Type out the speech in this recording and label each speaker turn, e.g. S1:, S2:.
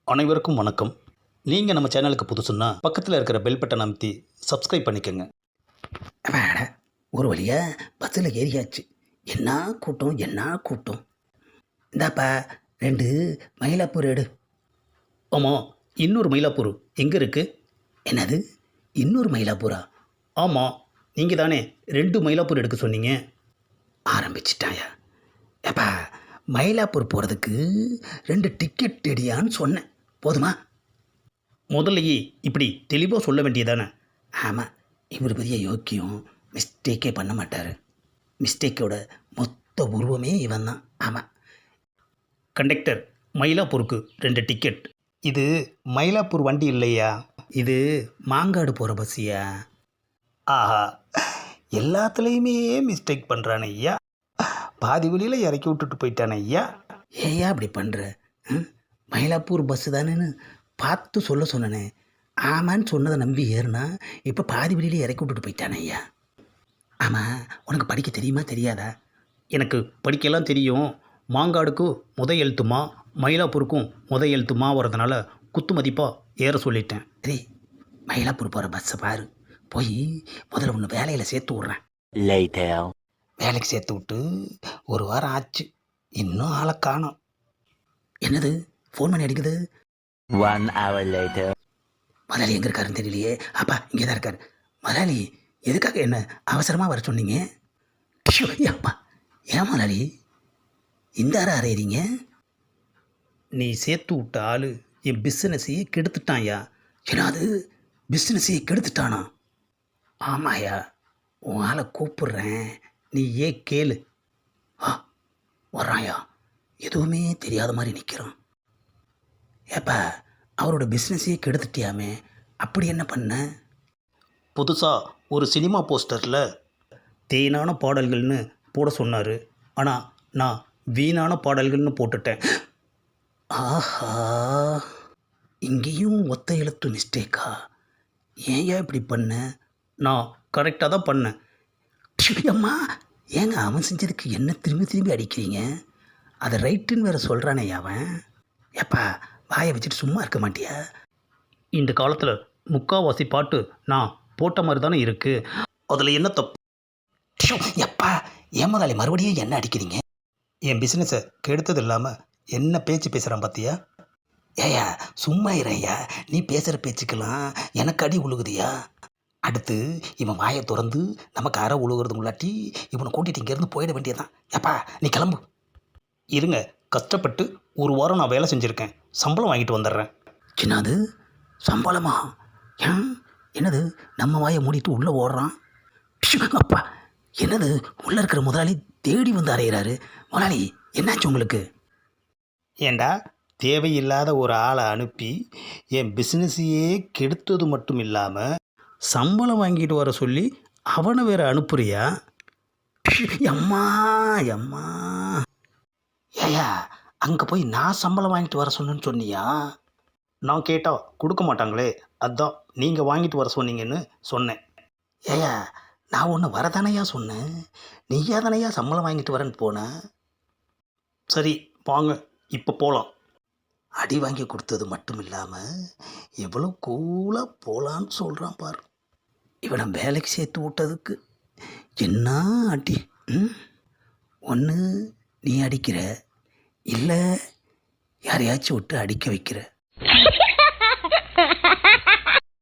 S1: அனைவருக்கும் வணக்கம். நீங்கள் நம்ம சேனலுக்கு புதுசுன்னா பக்கத்தில் இருக்கிற பெல் பட்டன் அமைத்தி சப்ஸ்கிரைப் பண்ணிக்கோங்க.
S2: அட, ஒரு வழியாக பஸ்ஸில் ஏறியாச்சு. என்ன கூட்டம் என்ன கூட்டம். இந்தாப்பா 2 மயிலாப்பூர் எடு.
S1: ஆமாம், இன்னொரு மயிலாப்பூர் எங்கே இருக்குது?
S2: என்னது இன்னொரு மயிலாப்பூரா?
S1: ஆமாம், நீங்கள் தானே 2 மயிலாப்பூர் எடுக்க சொன்னீங்க.
S2: ஆரம்பிச்சிட்டாயா? ஏப்பா, மயிலாப்பூர் போகிறதுக்கு 2 டிக்கெட் எடியான்னு சொன்னேன், போதுமா?
S1: முதல்லையே இப்படி தெளிவாக சொல்ல வேண்டியதானே.
S2: ஆமாம், இவர் பெரிய யோக்கியம், மிஸ்டேக்கே பண்ண மாட்டார். மிஸ்டேக்கோட மொத்த உருவமே இவன் தான். ஆமாம்.
S1: கண்டக்டர், மயிலாப்பூருக்கு 2 டிக்கெட். இது மயிலாப்பூர் வண்டி இல்லையா,
S2: இது மாங்காடு போகிற பஸ்ஸியா?
S1: ஆஹா, எல்லாத்துலேயுமே மிஸ்டேக் பண்ணுறானே ஐயா. பாதி வழியில் இறக்கி விட்டுட்டு போயிட்டானே ஐயா.
S2: ஏயா அப்படி பண்ணுற? மயிலாப்பூர் பஸ்ஸு தானேன்னு பார்த்து சொல்ல சொன்னனே. ஆமான்னு சொன்னதை நம்பி ஏறுனா இப்போ பாதி வழியிலே இறக்கி விட்டுட்டு போயிட்டானே ஐயா. ஆமாம், உனக்கு படிக்க தெரியுமா தெரியாதா?
S1: எனக்கு படிக்கலாம் தெரியும். மாங்காடுக்கும் எழுத்துமா, மயிலாப்பூருக்கும் எழுத்துமா வரதுனால குத்து மதிப்பாக ஏற சொல்லிட்டேன்.
S2: சரி, மயிலாப்பூர் போகிற பஸ்ஸை பாரு. போய் முதல்ல ஒன்று வேலையில் சேர்த்து விட்றேன். வேலைக்கு சேர்த்து விட்டு 1 வாரம் ஆச்சு, இன்னும் ஆளை காணோம். என்னது ஃபோன் பண்ணி அடிக்குது?
S3: 1 hour later.
S2: முதலாளி எங்கே இருக்காருன்னு தெரியலையே. அப்பா இங்கே தான் இருக்கார். முதலாளி எதுக்காக என்ன அவசரமாக வர சொன்னீங்க? ஷோ, அப்பா ஏன் முதலாளி இந்த அறையிறீங்க?
S1: நீ சேர்த்து விட்ட ஆள் என் பிஸ்னஸையே கெடுத்துட்டான்யா.
S2: ஏன்னாது பிஸ்னஸையே கெடுத்துட்டானா? ஆமாயா, உன் ஆளை கூப்பிட்றேன்,
S1: நீ ஏன் கேளு.
S2: வர்றாயா? எதுவுமே தெரியாத மாதிரி நிற்கிறான். ஏப்பா, அவரோட பிஸ்னஸையே கெடுத்துட்டியாமே, அப்படி என்ன பண்ண?
S1: புதுசாக ஒரு சினிமா போஸ்டரில் தேனான பாடல்கள்னு போட சொன்னார். ஆனால் நான் வீணான பாடல்கள்னு போட்டுட்டேன்.
S2: ஆஹா, இங்கேயும் ஒத்த எழுத்து மிஸ்டேக்கா? ஏயா இப்படி பண்ண?
S1: நான் கரெக்டாக தான் பண்ணேன்.
S2: அம்மா, ஏங்க அவன் செஞ்சதுக்கு என்ன திரும்பி திரும்பி அடிக்கிறீங்க? அதை ரைட்டுன்னு வேறு சொல்கிறானே அவன். ஏப்பா, வாயை வச்சுட்டு சும்மா இருக்க மாட்டியா?
S1: இந்த காலத்தில் முக்கால்வாசி பாட்டு நான் போட்ட மாதிரி தானே இருக்குது. அதில் என்ன தப்பு?
S2: எப்பா, ஏன் முதலாளி மறுபடியும் என்ன அடிக்கிறீங்க?
S1: என் பிஸ்னஸை கெடுத்தது இல்லாமல் என்ன பேச்சு பேசுகிறான் பார்த்தியா?
S2: ஏயா சும்மா இறையா, நீ பேசுகிற பேச்சுக்கெல்லாம் எனக்கு அடி உழுகுதியா? அடுத்து இவன் வாயை திறந்து நமக்கு அரை உழுகிறது முன்னாட்டி இவனை கூட்டிகிட்டு இங்கேருந்து போயிட வேண்டியதான். ஏப்பா நீ கிளம்பு.
S1: இருங்க, கஷ்டப்பட்டு 1 வாரம் நான் வேலை செஞ்சுருக்கேன், சம்பளம் வாங்கிட்டு வந்துடுறேன்.
S2: என்னது சம்பளமா? ஏன் என்னது நம்ம வாயை மூடிட்டு உள்ளே ஓடுறான்? அப்பா, என்னது உள்ளே இருக்கிற முதலாளி தேடி வந்து அறையிறாரு. முதலாளி என்னாச்சு உங்களுக்கு?
S1: ஏண்டா, தேவையில்லாத ஒரு ஆளை அனுப்பி என் பிஸ்னஸையே கெடுத்தது மட்டும் இல்லாமல் சம்பளம் வாங்கிட்டு வர சொல்லி அவனை வேறு அனுப்புறியா?
S2: அம்மா அம்மா, ஏயா அங்கே போய் நான் சம்பளம் வாங்கிட்டு வர சொன்னேன்னு சொன்னியா?
S1: நான் கேட்டால் கொடுக்க மாட்டாங்களே, அதான் நீங்கள் வாங்கிட்டு வர சொன்னீங்கன்னு சொன்னேன்.
S2: ஏயா, நான் ஒன்று வரதானையா சொன்னேன், நீயா தானையா சம்பளம் வாங்கிட்டு வரேன்னு போனேன்.
S1: சரி வாங்க, இப்போ போகலாம்.
S2: அடி வாங்கி கொடுத்தது மட்டும் இல்லாமல் எவ்வளோ கூலாக போகலான்னு சொல்கிறான் பாரு. இவனை வேலைக்கு சேர்த்து விட்டதுக்கு என்ன அடி. ஒன்று நீ அடிக்கிற, இல்லை யாரையாச்சும் விட்டு அடிக்க வைக்கிற.